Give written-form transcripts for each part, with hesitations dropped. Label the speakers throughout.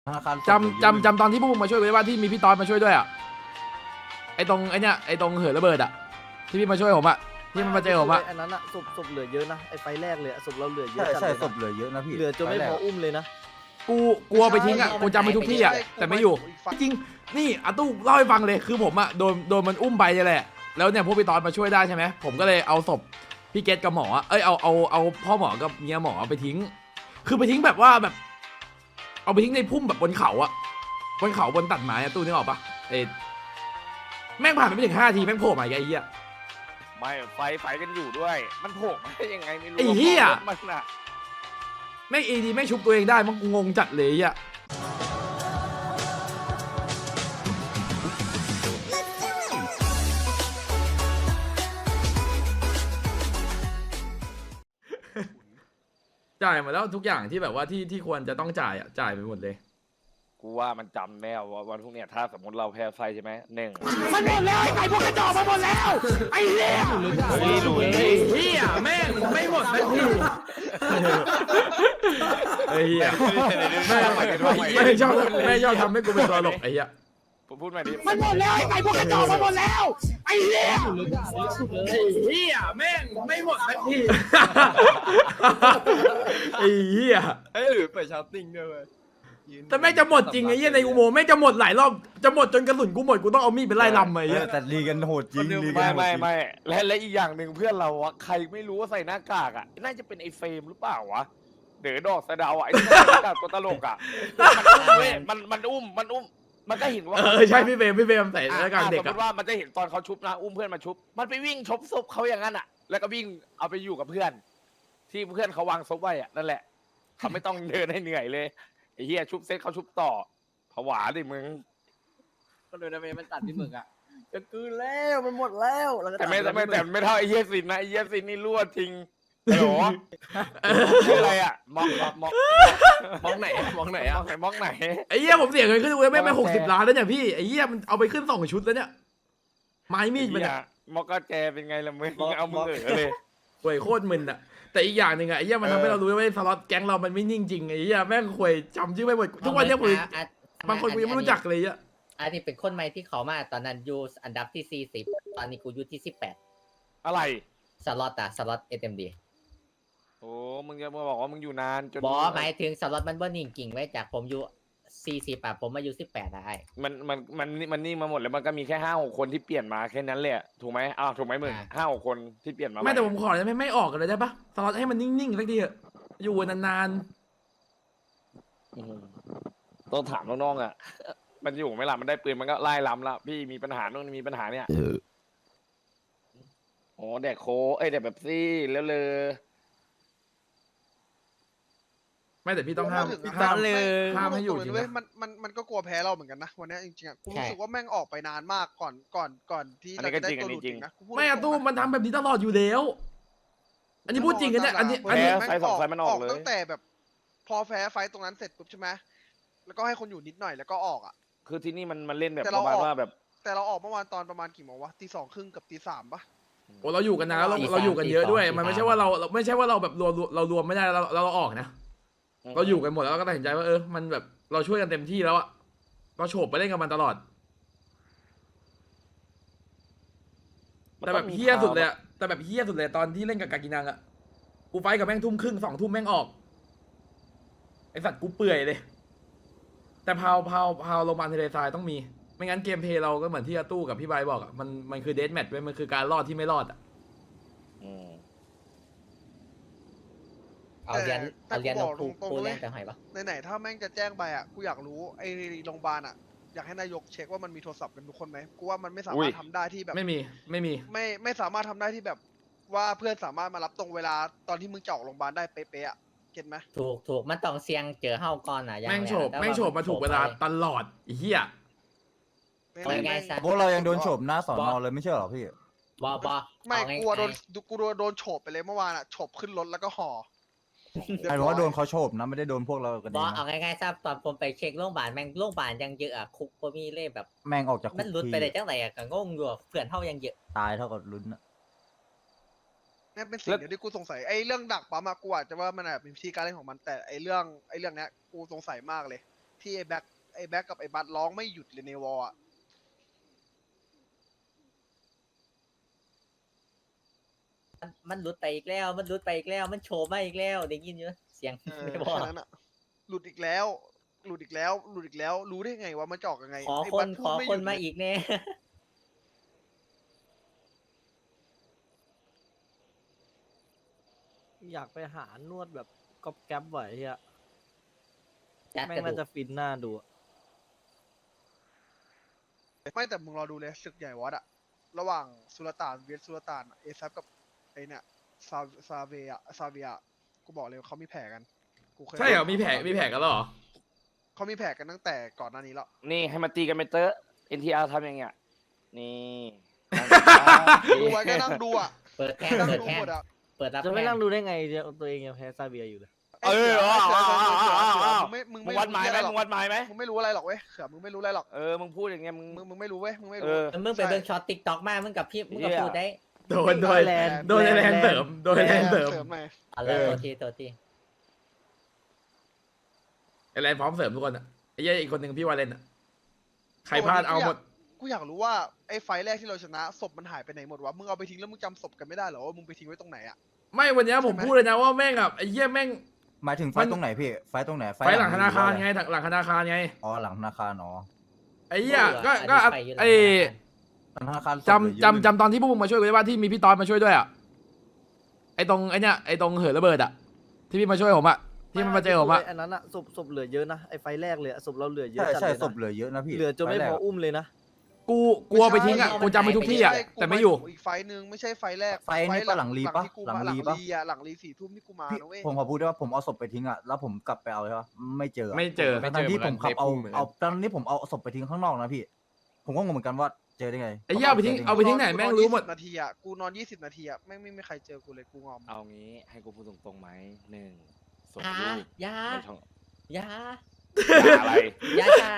Speaker 1: ธนาคาร
Speaker 2: จำตอนที่พวกมึงมาช่วยไว้ว่าที่มีพี่ตอนมาช่วยด้วยอ่ะไอ้ตรงไอ้เนี้ยไอ้ตรงเหินระเบิดอ่ะที่พี่มาช่วยผมอ่ะที่มันมาเจอผมอ่ะ
Speaker 3: อันนั้นอะศพเหลือเยอะนะไอ้ไฟแรกเลยศพเราเหลือเยอะ
Speaker 1: ใช่ศพเหลือเยอะนะพี่
Speaker 3: เหลือจนไม่พออุ้มเลยนะ
Speaker 2: กูกลัวไปทิ้งอ่ะกูจำไปทุกที่อ่ะแต่ไม่อยู่จริงนี่อาตู้เล่าให้ฟังเลยคือผมอ่ะโดนมันอุ้มไปนี่แหละแล้วเนี่ยพวกพี่ตอนมาช่วยได้ใช่ไหมผมก็เลยเอาศพพี่เกตกับหมอเอ้ยเอาพ่อหมอกับเมียหมอไปทิ้งคือไปทิ้งแบบว่าแบบเอาไปทิ้งในพุ่มแบบบนเขาอะบนเขาบนตัดไม้อะตู้นึกออกปะแม่งผ่านไปไม่ถึง5 ทีแม่งโผล่มาไอ้เหี้ย
Speaker 4: ไม่ไฟกันอยู่ด้วย มันโผล่มาได้ยังไงไม่รู้
Speaker 2: ไอ้เหี้ย
Speaker 4: มันอะ
Speaker 2: แม่งดีแม่งชุบตัวเองได้มันงงจัดเลยอ่ะจ่ายหมดแล้วทุกอย่างที่แบบว่าที่ควรจะต้องจ่ายอ่ะจ่ายไปหมดเลย
Speaker 4: กูว่ามันจำแน่ว่าวันพวกเนี้ยถ้าสมมติเราแพ้ไฟใช่ไหมหนึ่ง
Speaker 2: มันหมดแล้วไอ้ไก่พวกกระจอกมันหมดแล้วไอ้เหี้ยไอ้เหี้ยแม่งไม่หมดสักทีไอ้เหี้ยแม่งชอบทำให้กูเป็นตัวหลกไอ้เหี้ย
Speaker 4: พูดมาดิ
Speaker 2: มันหมดแล้วไอ้ไก่พวกกระจอกมันหมดแล้วไอ้เหี้ยไอ้เหี้ยแม่งไม่หมดสักทีไอ้เหี้ย
Speaker 5: เฮ้ยหรือเปิดชาร์ติ้งด้วยเว้ย
Speaker 2: แต่แม่งจะหมดจริงไอ้เหี้ยในอุโมงค์แม่งจะหมดหลายรอบจะหมดจนกระสุนกูหมดกูต้องเอามีดไปไล่ลำไอ้เหี้ย
Speaker 1: แต่ลีกันโหดจริงลีกัน
Speaker 4: ไม่
Speaker 1: โหดจ
Speaker 4: ไม่
Speaker 1: ริง
Speaker 4: ไม่และอีกอย่างหนึ่งเพื่อนเราอะใครไม่รู้ว่าใส่หน้ากากอะน่าจะเป็นไอ้เฟรมหรือเปล่าวะเด๋อดอกสะเดาวอะไอ้ที่ใส่หน้ากากตัวตลกอะมันอุ้มมันก็เห็นว่า
Speaker 2: ใช่พี่เฟรมใส่หน้ากากเด็ก
Speaker 4: สมม
Speaker 2: อะ
Speaker 4: ติว่ามันจะเห็นตอนเขาชุบนะอุ้มเพื่อนมาชุบมันไปวิ่งชบศพเขาอย่างนั้นอะแล้วก็วิ่งเอาไปอยู่กับเพื่อน ที่เพื่อนเขาวางศพไว้อะนั่นแหละเขาไม่ต้องเดินให้เหนื่อยเลยไอ้เหี้ยชุบเสร็จเขาชุบต่อผวาดิมึง
Speaker 3: ก็เลยนะเมย์มันตัดพี่หมึกอะจะกืนแล้วมันหมดแล้วแล้วก็
Speaker 4: แต่ไม่เท่าไอ้เหี้ยสินนะไอ้เหี้ยสินนี่รั่วจริงฮัลโหลชื่ออะไรอะมอง
Speaker 5: มองไหนมองไหนอ่ะ
Speaker 4: มองไหน
Speaker 2: ไอ้เหี้ยผมเสียเงินขึ้นกูไม่60 ล้านแล้วเนี่ยพี่ไอ้เหี้ยมันเอาไปขึ้น2 ชุดแล้วเนี่ยไม้มีดมัน
Speaker 4: เหี้ย
Speaker 2: อะ
Speaker 4: มอกก็แจเป็นไงล่ะมึงเอามือเลย
Speaker 2: ห่วยโคตรมึนอะแต่อีกอย่างหนึ่งอะไอ้เหี้ยมันทำให้เรารู้ว่าสล็อตแก๊งเรามันไม่นิ่งจริงไอ้เหี้ยแม่งห่วยจำชื่อไม่หมดทุกวันเนี้ยกูบางคนกูยังไม่รู้จักเลยอะ
Speaker 6: อันนี้เป็นคนใหม่ที่เขามาตอนนั้นอยู่อันดับที่40ตอนนี้กูอยู่ที่18
Speaker 4: อะไร
Speaker 6: สล็อต SMD
Speaker 4: โอ้มึงจะมาบอกว่ามึงอยู่นานจน
Speaker 6: บอหมายถึงสล็อตมันบ่นิ่งกิ่งไว้จากผมอยู่40ผมมาอยู่18ได้
Speaker 4: มันนี่มาหมดแล้วมันก็มีแค่5-6 คนที่เปลี่ยนมาแค่นั้นแหละถูกไหมอ้าวถูกไหมมึง5-6 คนที่เปลี่ยนมา
Speaker 2: ไม่แต่ผมขอจะไม่ออกกันเลยได้ปะสล็อตให้มันนิ่งๆสักทีเถอะอยู่นาน
Speaker 4: ต้องถามน้องๆอ่ะ มันอยู่ไหม่ล่ะมันได้ปืนมันก็ไล่ล้ำละพี่มีปัญหาโน่นมีปัญหาเนี่ยโอ้แดกโคแดกแบบซี่แล้วเลย
Speaker 2: ๆไม่แต่พี่ต้องห้าม ห้ามให้อยู่จริง
Speaker 7: เว้ย
Speaker 2: นะ
Speaker 7: มันก็กลัวแพ้เราเหมือนกันนะวันนี้จริงๆอ่ะกูรู้สึกว่าแม่งออกไปนานมากก่อนที่เราจะได้ตัวหลุดจริงนะกูพูด
Speaker 2: ไม่อะตู้มันทำแบบนี้ตลอดอยู่แล้ว อันนี้พูดจริงกันเนี่ยอันนี้
Speaker 4: แพ้ไฟ2 ไฟมันออกเลย
Speaker 7: ตั้งแต่แบบ พอแพ้ไฟตรงนั้นเสร็จปุ๊บใช่ไหมแล้วก็ให้คนอยู่นิดหน่อยแล้วก็ออกอ่ะ
Speaker 4: คือที่นี่มันเล่นแบบ
Speaker 7: แต่
Speaker 4: ป
Speaker 7: เรา
Speaker 4: ระมาณ
Speaker 7: ออก
Speaker 4: ว่าแบบ
Speaker 7: แต่เราออกเมื่อวานตอนประมาณกี่โมงวะตี 2 ครึ่งกับตี 3ปะ
Speaker 2: โอ้เราอยู่กันนะเราอยู่กันเยอะด้วยมันไม่ใช่ว่าเราไม่ใช่ว่าเราแบบรวมไม่ได้เราออกนะเราอยู่กันหมดแล้วก็ตัดสินใจว่ามันแบบเราช่วยกันเต็มที่แล้วอะเราโฉบไปเล่นกับมันตลอด แต่แบบเฮี้ยสุดเลยอะแต่แบบเฮี้ยสุดเลยตอนที่เล่นกับกากินังอะกูไฟกับแม่งทุ่มครึ่ง2 ทุ่มแม่งออกไอสัตว์กูเปื่อยเลย แต่พาวโรงพยาบาลทะเลทรายต้องมีไม่งั้นเกมเพลย์เราก็เหมือนที่อาตู้กับพี่ไบร์ทบอกอะมันคือเดธแมทเว้ยมันคือการรอดที่ไม่รอดอะ
Speaker 6: เอาเรียนนกปูเล่นแต่หอยปะ
Speaker 7: ไหนๆถ้าแม่งจะแจ้งไปอ่ะกูอยากรู้ไอ้โรงพยาบาลอ่ะอยากให้นายกเช็คว่ามันมีโทรศัพท์กันทุกคนไหมกูว่ามันไม่สามารถทำได้ที่แบบ
Speaker 2: ไม่มี
Speaker 7: ไม่สามารถทำได้ที่แบบว่าเพื่อนสามารถมารับตรงเวลาตอนที่มึงจะออกโรงพยาบาลได้เป๊ะๆอ่ะเก็ตไหม
Speaker 6: ถูกมันต้องเสียงเจอเฮาก่อนอย่าง
Speaker 2: แม่งโฉบมาถูกเวลาตลอดไอ้เหี้ย
Speaker 6: เอาง่ายๆซะ
Speaker 1: พวกเรายังโดนโฉบหน้าสอนอเลยไม่ใช่เหรอพี่
Speaker 6: บอ
Speaker 7: ไม่
Speaker 6: เอาง่ายๆ
Speaker 7: กูโดนโฉบไปเลยเมื่อวานอ่ะโฉบขึ้นรถแล้วก็ห่อ
Speaker 1: ใครบอกว่าโดนเขาโฉบนะไม่ได้โดนพวกเรากัน
Speaker 6: บ
Speaker 1: เอ
Speaker 6: อง เอาง่ายๆซะตอนผมไปเช็คโรงพยาบาลแม่งโรงพยาบาลยังเยอะอะคุกก็มีเล่แบบ
Speaker 1: แม่งออกจากคุ
Speaker 6: มัน
Speaker 1: ก
Speaker 6: หลุด
Speaker 1: ที
Speaker 6: ไปได้จังไรอะก็งงอยู่เพื่อนเฮายังเยอะ
Speaker 1: ตายเท่ากับลุ้นอะ
Speaker 7: นี่เป็นสิ่งเดียวที่กูสงสัยไอ้เรื่องดักปั๊มอะกูอาจจะว่ามันแบบมีวิธีการเล่นของมันแต่ไอ้เรื่องเนี้ยกูสงสัยมากเลยที่ไอ้แบ็คกับไอ้บัตร้องไม่หยุดเลยในวอลอะ
Speaker 6: มันหลุดไปอีกแล้ว มันหลุดไปอีกแล้ว มันโชว์มาอีกแล้วได้ยินอยู่เสียง ไม่บอก
Speaker 7: แค่นั้นอะหลุดอีกแล้ว หลุดอีกแล้ว หลุดอีกแล้ว รู้ได้ไงว่ามันจะออกยังไง
Speaker 6: ขอ
Speaker 7: ไอ้
Speaker 6: ค
Speaker 7: บั
Speaker 6: น
Speaker 7: ต
Speaker 6: ข
Speaker 7: พูด
Speaker 6: อ
Speaker 7: ไม่ห
Speaker 6: ค
Speaker 7: ยุ
Speaker 6: น
Speaker 7: ด
Speaker 6: มา
Speaker 7: เลย
Speaker 6: อีกแน่
Speaker 8: อยากไปหานวดแบบก๊อบแก๊บไหวเฮีย
Speaker 6: จัด
Speaker 8: แม่
Speaker 6: ก
Speaker 8: ง
Speaker 6: ระ
Speaker 8: น่า
Speaker 6: ดู
Speaker 8: จะ
Speaker 6: ก
Speaker 8: ฟินหน้าดูอะ
Speaker 7: ไม่แต่มึงรอดูเลยศึกใหญ่วัดอะระหว่างสุลต่านเวียดสุลต่านเอซับกับไอเนี่ยซาเวียกูบอกเลยว่าเขามีแผลกันกูเคย
Speaker 2: ใช่เหรอมีแผลกันแล้วเหรอ
Speaker 7: เขามีแผลกันตั้งแต่ก่อนหน้านี้แล้ว
Speaker 4: นี่ให้มาตีกันไปเตอะ NTR ทำอย่างเงี้ยนี่
Speaker 7: ดูไว้ก็นั่งดูอะ
Speaker 6: เปิดแทง
Speaker 7: นั่ง
Speaker 6: เปิด
Speaker 7: ดู
Speaker 6: แทง
Speaker 7: หมดอะ
Speaker 6: เปิดรับ
Speaker 8: จะไม่
Speaker 6: แท
Speaker 8: นั่
Speaker 6: ง
Speaker 8: งดูได้ไงตัวเองยังแพ้ซาเบียอยู่เลย
Speaker 4: เออ
Speaker 7: มึง
Speaker 4: มึ
Speaker 7: ไม่
Speaker 4: งวัดหมายไหม
Speaker 7: รู้
Speaker 4: มึงวัดหมายไหม
Speaker 7: มึงไม่รู้อะไรหรอกเว้ยเขือมึงไม่รู้อะไรหรอก
Speaker 4: เออ มึงพูดอย่างเงี้ยมึง
Speaker 7: มึงไม่รู้เว้ยมึงไม่
Speaker 4: เอ
Speaker 7: รู้
Speaker 4: อ
Speaker 6: มึงไปเบิ่งช็อตติ๊กต็อกมา มึงกับพี่มึงกับ
Speaker 4: เหี้ย
Speaker 6: พูดได้
Speaker 2: โดนไอ้แลนเสริมโดนไอ้แลนเสริม
Speaker 7: หน่อย
Speaker 6: อะไร
Speaker 2: เออ
Speaker 6: ตัวที
Speaker 2: ไอ้แลนพร้อมเสริมทุกคนอะไอ้เหี้ยอีกคนหนึ่งพี่วาเลนอะใครพลาดเอาหมด
Speaker 7: กูอยากรู้ว่าไอ้ไฟล์แรกที่เราชนะศพมันหายไปไหนหมดวะมึงเอาไปทิ้งแล้วมึงจำศพกันไม่ได้เหรอว่ามึงไปทิ้งไว้ตรงไหนอะ
Speaker 2: ไม่วันเนี้ยผม
Speaker 7: ใช่ไหม
Speaker 2: พูดเลยนะว่าแม่งอะไอ้เหี้ยแม่ง
Speaker 1: หมายถึงไฟ
Speaker 2: มัน
Speaker 1: ตรงไหนพี่ ไฟตรงไหน
Speaker 2: ไฟหลังธนาคารไง
Speaker 1: หอว่
Speaker 2: หลังธนาคารไง
Speaker 1: อ๋อหลังธนาคารอ๋อ
Speaker 2: ไอ้เหี้ยก็
Speaker 6: ไปอยู่หลัง
Speaker 2: ไอ้
Speaker 1: หลังธนาคาร
Speaker 2: จำตอนที่พวกมึงมาช่วยกูได้ป่ะที่มีพี่ตอนมาช่วยด้วยอะไอ้ตรงไอ้เนี้ยไอ้ตรงเหินระเบิดอะที่พี่มาช่วยผมอะที่มันมาเจอผมอะ
Speaker 8: อันนั้นอะศพเหลือเยอะนะไอไฟแรกเลยอะศพเราเหลือเยอะ
Speaker 1: ใช่
Speaker 8: จัด
Speaker 1: ใช่
Speaker 8: เลย
Speaker 1: ศพ
Speaker 8: นะ
Speaker 1: เหลือเยอะนะพี่
Speaker 8: เหลือจนไม่
Speaker 1: ฟแร
Speaker 8: พ
Speaker 1: ก
Speaker 8: ออุ้มเลยนะ
Speaker 2: กูเอาไปทิ้งอะกูจำไปทุกที่อะ
Speaker 7: ใช่
Speaker 2: แต่ไม่อยู่
Speaker 7: อีกไฟล์หนึ่งไม่ใช่ไฟล์แรก
Speaker 1: ไฟนี่ปะหลังรีปะ
Speaker 7: ที่กู
Speaker 1: หลัง
Speaker 7: มาหลั
Speaker 1: รี
Speaker 7: ง
Speaker 1: ปะ
Speaker 7: รีอะหลังรี4 ทุ่มที่กูมา
Speaker 1: พี่
Speaker 7: นะเว้ย
Speaker 1: ผมขอพูดได้ว่าผมเอาศพไปทิ้งอ่ะแล้วผมกลับไปเอาใช่ปะไม่เจออะ
Speaker 2: ไม่เจอ
Speaker 1: ทั้งที่ผมขับเอา
Speaker 5: ในพุ่งเหมือนกัน
Speaker 1: เอาตอนนี้ผมเอาศพไปทิ้งข้างนอกนะพี่ ผมก็งงเหมือนกันว่าเจอได้ไง
Speaker 2: ไอ้เหี้ยเอาไปทิ้งเอาไปทิ้งไหนแม่งรู้หมด
Speaker 7: นาทีอะกูนอน20 นาทีอะไม่มีใครเจอกูเลยกูงอม
Speaker 4: เอางี้ให้กูพูดตรงๆไหมหนึ่งส่ง
Speaker 6: ยา
Speaker 4: รูป
Speaker 6: ยา
Speaker 4: ในช่อง
Speaker 6: ยา
Speaker 4: ด่าอะไร
Speaker 6: ยาจ้า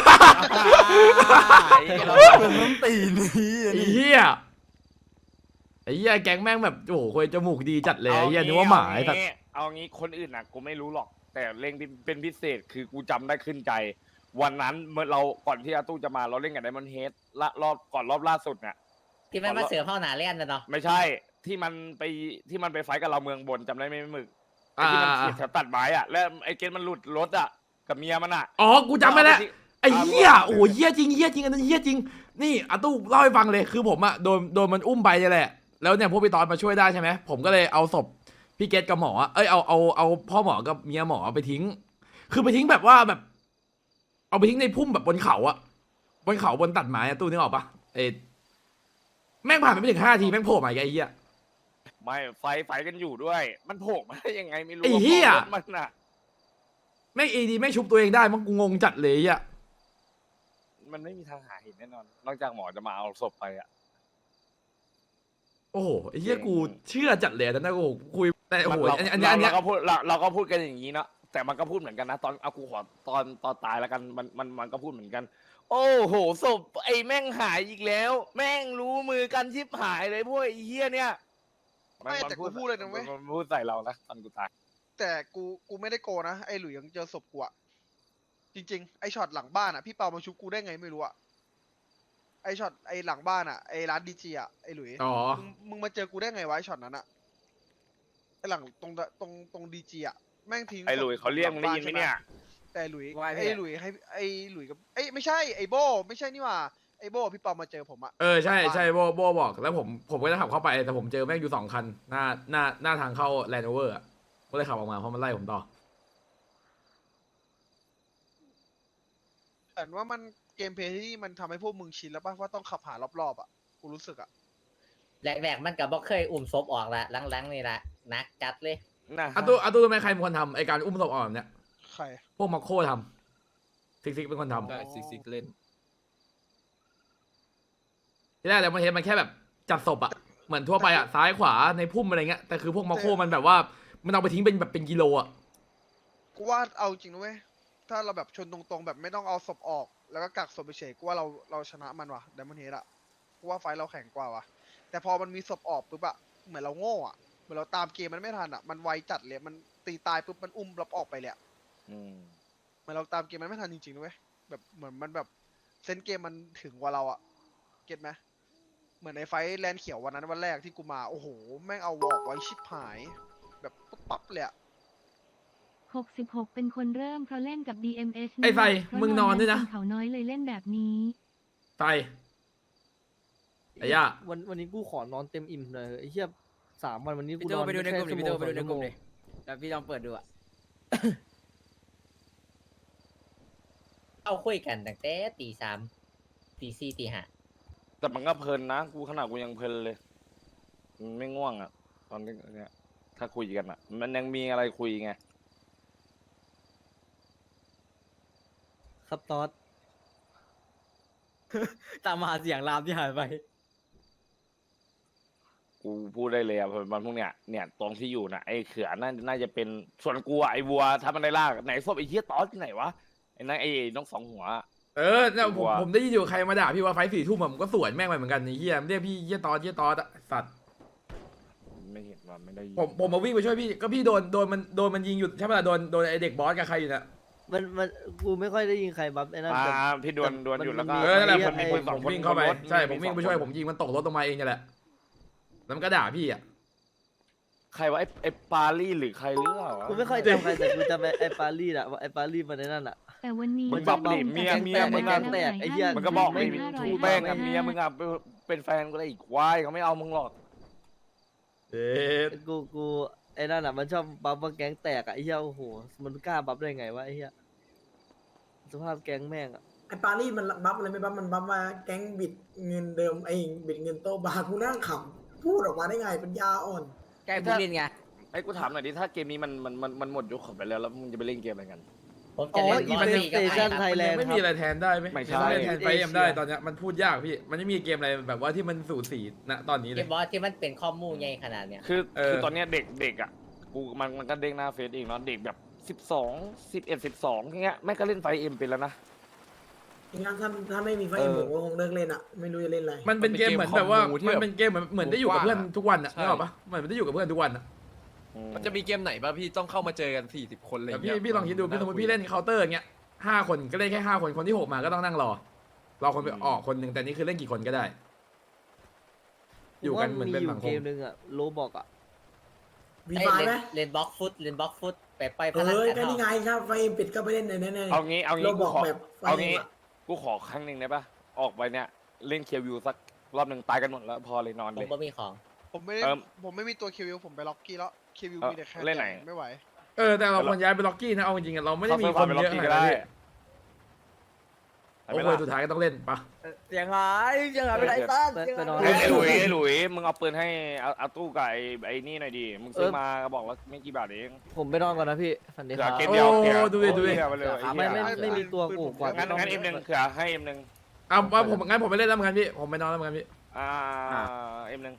Speaker 1: เป็นน้ำตีนี่
Speaker 2: ไอ้เหี้ยไอ้เหี้ยแก๊งแม่งแบบโอ้โหคุยจมูกดีจัดเลยไอ้เหี้ยนึกว่าหมาไอ้สัตว์
Speaker 4: เอางี้คนอื่นน่ะกูไม่รู้หรอก แต่เล่งเป็นพิเศษคือกูจำได้ขึ้นใจ วันนั้นเมื่อเราก่อนที่อาตู้จะมาเราเล่นกับไดมอนด์เฮดรอบล่าสุดเนี่ย
Speaker 6: ที่มันมาเสือเข้าหนาเล่นนะเนาะ
Speaker 4: ไม่ใช่ที่มันไปไฟท์กับเราเมืองบนจำได้ไหมหมึกไอ้ที่มันเขียแถวตัดไม้อะแล้วไอ้เกณฑ์มันหลุดรถอะกับเมียมันอะ
Speaker 2: อ๋อกูจำไม่แล้วไอ้เหี้ยโอ้โหเหี้ยจริงอันนั้นเหี้ยจริงนี่อาตู้เล่าให้ฟังเลยคือผมอะโดนมันอุ้มไปเนี่ยแหละแล้วเนี่ยพวกพี่ตอนมาช่วยได้ใช่ไหมผมก็เลยเอาศพพี่เกตกับหมออะเอาพ่อหมอกับเมียหมอไปทิ้ง คือไปทิ้งแบบว่าแบบ เอาไปทิ้งในพุ่มแบบบนเขาอะบนเขาบนตัดไม้อะตู้นึกออกปะแม่งผ่านไปไม่ถึง5 ทีแม่งโผล่มาอีกไอ้เหี้ย
Speaker 4: ไม่ไฟกันอยู่ด้วย มันโผล่มาได้ยังไงไม่รู้
Speaker 2: ไอ้เหี้ย
Speaker 4: รถมันอะ
Speaker 2: แม่งดีแม่งชุบตัวเองได้มันกูงงจัดเลยอะ
Speaker 4: มันไม่มีทางหาเห็นแน่นอน นอกจากหมอจะมาเอาศพไปอะ
Speaker 2: โอ้โหไอ้เหี้ยกูเชื่อจัดเลยนะโอ้โหคุยแต่โอ้โห
Speaker 4: เรา
Speaker 2: อันเนี้ย
Speaker 4: เราก็พูดกันอย่างนี้เนาะแต่มันก็พูดเหมือนกันนะตอนเอากูขอตอนตายแล้วกันมันก็พูดเหมือนกัน โอ้โหศพไอ้แม่งหายอีกแล้ว แม่งรู้มือกันชิบหายเลยพวกไอ้เหี้ยเนี่ย
Speaker 7: ไม่แต่กูพูดเลยนะเว้ย
Speaker 4: มันพูดใส่เรานะตอนกูตาย
Speaker 7: แต่กูไม่ได้โกนะไอ้หลุยยังเจอศพกูอะจริงๆไอ้ช็อตหลังบ้านอะพี่เปามาชุบกูได้ไงไม่รู้อะไอ้ช็อตไอ้หลังบ้านอะไอ้ร้านดีจีอะไอ้หลุย
Speaker 2: อ๋อ
Speaker 7: มึงมาเจอกูได้ไงวะไอ้ช็อตนั้นอะไอ้หลังตรงดีจีอะแม่งทิ้ง
Speaker 4: ไอ้หลุยเขาเรียกมึงได้ยินไหมเนี่ย
Speaker 7: แต่หลุย
Speaker 3: ว่าไงพี่
Speaker 7: ไอ้หลุยให้ไอ้หลุยกับไอ้ยไม่ใช่ไอ้โบไม่ใช่นี่หว่าไอ้โบพี่เปามาเจอผมอะ
Speaker 2: ใช่โบบอกแล้วผมก็จะขับเข้าไปแต่ผมเจอแม่งอยู่2 คันหน้าทางเข้าแลนด์โอเวอร์อะก็เลยขับออกมาเพราะมันไล่ผมต่อ
Speaker 7: แต่ว่ามันเกมเพลย์ที่นี่มันทำให้พวกมึงชินแล้วป่ะว่าต้องขับหารอบๆอะกูรู้สึกอะ
Speaker 6: แรกๆมันกับบ่เคยอุ้มศพออกละหลังๆนี่ละหนักจัดเลย
Speaker 4: นะ
Speaker 2: อาตู้รู้ไหมใครเป็นคนทำไอการอุ้มศพออกแบบเนี้ย
Speaker 7: ใคร
Speaker 2: พวกมาโคทำซิกเป็นคนทำ
Speaker 5: ได้ซิกเล่น
Speaker 2: ที่แรกแล้วมันเห็นมันแค่แบบจัดศพอะเหมือนทั่วไปอะซ้ายขวาในพุ่มอะไรเงี้ยแต่คือพวกมาโคมันแบบว่ามันเอาไปทิ้งเป็นแบบเป็นกิโลอะ
Speaker 7: กูว่าเอาจริงนะเว้ยถ้าเราแบบชนตรงๆแบบไม่ต้องเอาศพออก แล้วก็กักศพไปเฉยกูว่าเราชนะมันว่ะไดมอนด์เฮดอะกูว่าไฟท์เราแข็งกว่าว่ะแต่พอมันมีศพออกปุ๊บอะเหมือนเราโง่อะเหมือนเราตามเกมมันไม่ทันอะมันไวจัดเลยมันตีตายปุ๊บมันอุ้มรับออกไปเลยอะ
Speaker 4: อืม
Speaker 7: มันเราตามเกมมันไม่ทันจริงๆนะเว้ยแบบเหมือนมันแบบเซนส์เกมมันถึงกว่าเราอะเก็ตไหมเหมือนในไฟท์แลนด์เขียววันนั้นวันแรกที่กูมาโอ้โหแม่งเอาวอกไว้ชิบหาย แบบปุ๊บปั๊บเลยอะ
Speaker 9: 66 เป็นคนเริ่มเพราะเล่นกับ DMS
Speaker 2: ไอ้ไฟ
Speaker 9: เพราะ
Speaker 2: มึงนอนด้วยนะ
Speaker 9: เขาน้อยเลยเล่นแบบนี้
Speaker 2: ไปไอ้ย่า
Speaker 8: วันนี้กูขอนอนเต็มอิ่มเลยไอ้เหี้ย3 วันวันนี้กู
Speaker 3: พี่
Speaker 8: น
Speaker 3: โต
Speaker 8: อน
Speaker 3: ไปดูในกลุ่มดิ
Speaker 8: แค่
Speaker 3: พี่โตไปดูใน
Speaker 8: ชั่ว
Speaker 3: กลุ่ม
Speaker 8: โมง
Speaker 3: ดิแล้วพี่ลองเปิดดูอะ
Speaker 6: เอาคุยกันตั้งแต่ตี 3 ตี 4 ตี 5
Speaker 4: แต่มันก็เพลินนะกูขนาดกูยังเพลินเลยมันไม่ง่วงอ่ะ ตอนนี้เนี่ยถ้าคุยกันอ่ะ มันยังมีอะไรคุยไง
Speaker 8: ครับตอด
Speaker 3: ตามมาเสียงรามที่หายไป
Speaker 4: กูพูดได้เลยอ่ะมันพวกเนี้ยเนี่ยตรงที่อยู่น่ะไอ้เขือน่าจะเป็นส่วนกูอ่ะไอ้วัวถ้ามันได้ลากไหนศพไอ้เหี้ยตอสที่ไหนวะไอ้นั่นไอ้นกสองหัว
Speaker 2: เนี่ยผม
Speaker 4: ว่า
Speaker 2: ผมได้ยินอยู่ใครมาด่าพี่ว่าไฟ4 ทุ่มผมก็สวนแม่งไปเหมือนกันไอ้เหี้ยเรียกพี่เหี้ยตอสอะสัตว์
Speaker 4: ไม่เห็นว่าไม่ได้ยิน
Speaker 2: ผมมาวิ่งไปช่วยพี่ก็พี่โดนมันยิงอยู่ใช่ไหมล่ะโดนไอเด็กบอสกับใครอยู่น่ะ
Speaker 8: มันกูไม่ค่อยได้ยินใครบัฟไอ้นั่นแต่
Speaker 4: พี่ดวนอยู่แล้วก็
Speaker 2: นั่นแหละ
Speaker 8: ไอ้
Speaker 2: ผมวิ่งเข้าไปใช่ผมวิ่งไปช่วยผมยิงมันตกรถลงมาเองนี่แหละแล้วมันก็ด่าพี่อ่ะ
Speaker 4: ใครวะไอ้ปาลี่หรือใครหรือเปล่าวะ
Speaker 8: กูไม่ค่อยจำใครแต่กูจำไอ้ปารีสอะไอ้ปารีสมันไอ้นั่นอะ
Speaker 9: แต่วันนี้
Speaker 4: มึงบอกดิเมียมึง
Speaker 8: อะ
Speaker 4: อ่ะ
Speaker 8: แตกไอ้เหี้ย
Speaker 4: มันก็บอกไม่
Speaker 9: 500
Speaker 4: ทูแป้งกับเมียมึงอ่ะเป็นแฟนก็ได้อีกควายเขาไม่เอามึงหรอก
Speaker 2: เอ๊ะ
Speaker 8: กูไอ้นั่นอะมันชอบบัฟว่าแก๊งแตกอะไอ้เหี้ยโอ้โหมันกล้าบัฟได้ไงวะไอ้เหี้ยสภาพแก๊งแม่งอะ
Speaker 10: ไอ้ปารีสมันบัฟอะไรไม่บัฟมันบัฟมาแก๊งบิดเงินเดิมไอ้บิดเงินโตบาร์กูนั่งขำพูดออกมาได้ไงปัญญาอ่อน
Speaker 3: แกผู้เล่นไง
Speaker 4: ไอ้กูถามหน่อยดิถ้าเกมนี้มันหมดยุคของไปแล้วมึงจะไปเล่นเกมอะไรกัน
Speaker 6: ผมจะเล่น
Speaker 8: อี
Speaker 6: บอ
Speaker 8: เว
Speaker 6: ล
Speaker 8: น
Speaker 6: สี่
Speaker 8: ต์ส
Speaker 6: กับ
Speaker 8: เต
Speaker 6: ไอ้
Speaker 8: ชัน
Speaker 6: ครับ
Speaker 8: ไทยแลนด์
Speaker 2: ไม่
Speaker 8: ค
Speaker 2: มี
Speaker 8: รับ
Speaker 2: อะไรแทนได้ไหม
Speaker 4: ไม่ใช่
Speaker 2: ไม่แทนไฟเอ็มได้ตอนเนี้ยมันพูดยากพี่มันไม่มีเกมอะไรแบบว่าที่มันสูสีณตอนนี้เล
Speaker 6: เก
Speaker 2: ย
Speaker 6: มบอสที่มันเป็นข้อมูลใหญ่ขนาดเนี้ย
Speaker 4: คือตอนเนี้ยเด็กอ่ะกูมันก็เด้งหน้าเฟซเองเนาะเด็กแบบ12 11 12อย่างเงี้ยแม่งก็เล่นไฟเอ็มเป็นแล้วนะ
Speaker 10: งั้นถ้าไม่มีไฟเอ็มผมก็คงเลิกเล่นอ่ะ ไม่รู้จะเล่นอะไร
Speaker 2: มันเป็นเกมเหมือนแบบว่ามันเป็นเกมเหมือนได้อยู่กับเพื่อนทุกวันอ่ะนึกออกปะเหมือนได้อยู่กับเพื่อนทุกวันอ่ะ
Speaker 5: มันจะมีเกมไหนป่ะพี่ต้องเข้ามาเจอกัน40 คนอะไรอ
Speaker 2: แต่
Speaker 5: ย่างเงี้ย
Speaker 2: พี่ลองคิดดูพี่สมมติพี่เล่นเคาน์เตอร์อย่างเงี้ย5 คนก็เล่นแค่5 คนคนที่6มาก็ต้องนั่งรอคนไปออกคนหนึ่งแต่นี่คือเล่นกี่คนก็ได้ อยู่กันเหมือนเป็นสังค
Speaker 8: เก
Speaker 2: ม
Speaker 8: มนึงอะโลบอกอะ
Speaker 10: วี
Speaker 6: เอ้ย
Speaker 10: ไฟไหม
Speaker 6: เล่นบล็อกฟุตไปไปพ
Speaker 10: เอ
Speaker 6: นัน
Speaker 10: อ
Speaker 6: กัน
Speaker 10: ก็นี่ไง
Speaker 6: เนาะ
Speaker 10: ครับไฟเอ็มปิดก็ไปเล่นในนั้น
Speaker 4: เอางี้
Speaker 10: โล
Speaker 4: กู
Speaker 10: บอก
Speaker 4: ขอ
Speaker 10: แบบไฟ
Speaker 4: เอา
Speaker 10: เอ็ม
Speaker 4: งี้
Speaker 10: อะ
Speaker 4: กูขอครั้งหนึ่งได้ปะออกไปเนี่ยเล่นเคียววิวสักรอบหนึ่งตายกันหมดแล้วพอเลยนอน
Speaker 6: ผ
Speaker 4: เล
Speaker 6: ม
Speaker 4: ย
Speaker 6: ก็มีของ
Speaker 7: ผมไม่ได้
Speaker 4: เอิ่ม
Speaker 7: ผมไม่มีตัวคิวผมไปล็อกกี้แล้วคิวมีแต่แค่
Speaker 4: เล่นไหน
Speaker 7: ไม่ไหว
Speaker 2: แต่เราควรย้ายไปล็อกกี้นะเอาจริงๆเราไม่ได้มีคนเยอะขนาด
Speaker 4: ก็
Speaker 2: นั้น
Speaker 4: ได้
Speaker 2: พี่
Speaker 4: ไป
Speaker 2: โอ้
Speaker 4: ไหม
Speaker 2: โห
Speaker 4: ล่ะ
Speaker 2: สุดท้ายก็ต้องเล่นปะ
Speaker 3: เสียงหายไปไหนตั้น
Speaker 8: ไปนอน
Speaker 4: ไอ้หลุยมึงเอาปืนให้อาตู้กับไอ้นี่หน่อยดิมึงซื้อมาก็บอกว่าไม่กี่บาทเอง
Speaker 8: ผมไปนอนก่อนนะพี่ฝันดี
Speaker 4: เขื
Speaker 8: ค
Speaker 4: อ
Speaker 8: รับ
Speaker 4: เกมเดียว
Speaker 2: โอ้
Speaker 4: เขือ
Speaker 2: ดูดิ
Speaker 4: เขือไปเลย
Speaker 8: ไม่มีตัวกูกว่า
Speaker 4: งั้นเอ็มหนึ่งเขือให้เอ็มหนึ่ง
Speaker 2: เอาผมไม่เล่นแล้วเหมือนกันพี่ผมไปนอนแล้วเหมือนกันพี่
Speaker 4: เอ็มหนึ่ง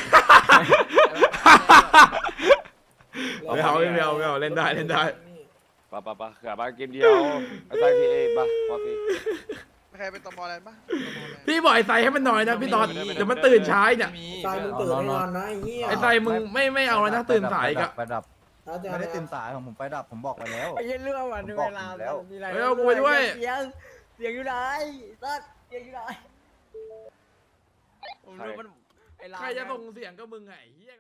Speaker 2: ไม่เอาเล่นได้
Speaker 4: ปะเขือมาเกมเดียวไอ้ใต้ทีเอปะพอที
Speaker 7: ใครเป็นตมอแลนด์ปะตมอแลนด์
Speaker 2: พี่บอกไอ้ไซให้มันหน่อยนะพี่ตอนเดี๋ยวมันตื่นช้าเนี่ย
Speaker 10: ไฟมึงตื่นแน่นอนนะไอ้เหี้ย
Speaker 2: ไอ้ไซมึงไม่เอาแล้วนะตื่นสายอีกอะ
Speaker 1: ไฟดับ
Speaker 10: แล้วจะ
Speaker 1: ไม่ได้ตื่นสายของผมไฟดับผมบอกไปแล้ว
Speaker 3: ไอ้เหี้ยเรื่องวัน
Speaker 1: ผม
Speaker 3: เว
Speaker 1: บอก
Speaker 3: ลา
Speaker 1: อยู่แล้ว
Speaker 3: มีอะไร
Speaker 2: เฮ้ยเอากูไปด้วย
Speaker 3: เสียงอยู่ไหนตั้นเสียงอยู่ไหนผมรู้มันไอ้ลา
Speaker 2: ใครจะส่งเสียงก็มึงไงเหี้ย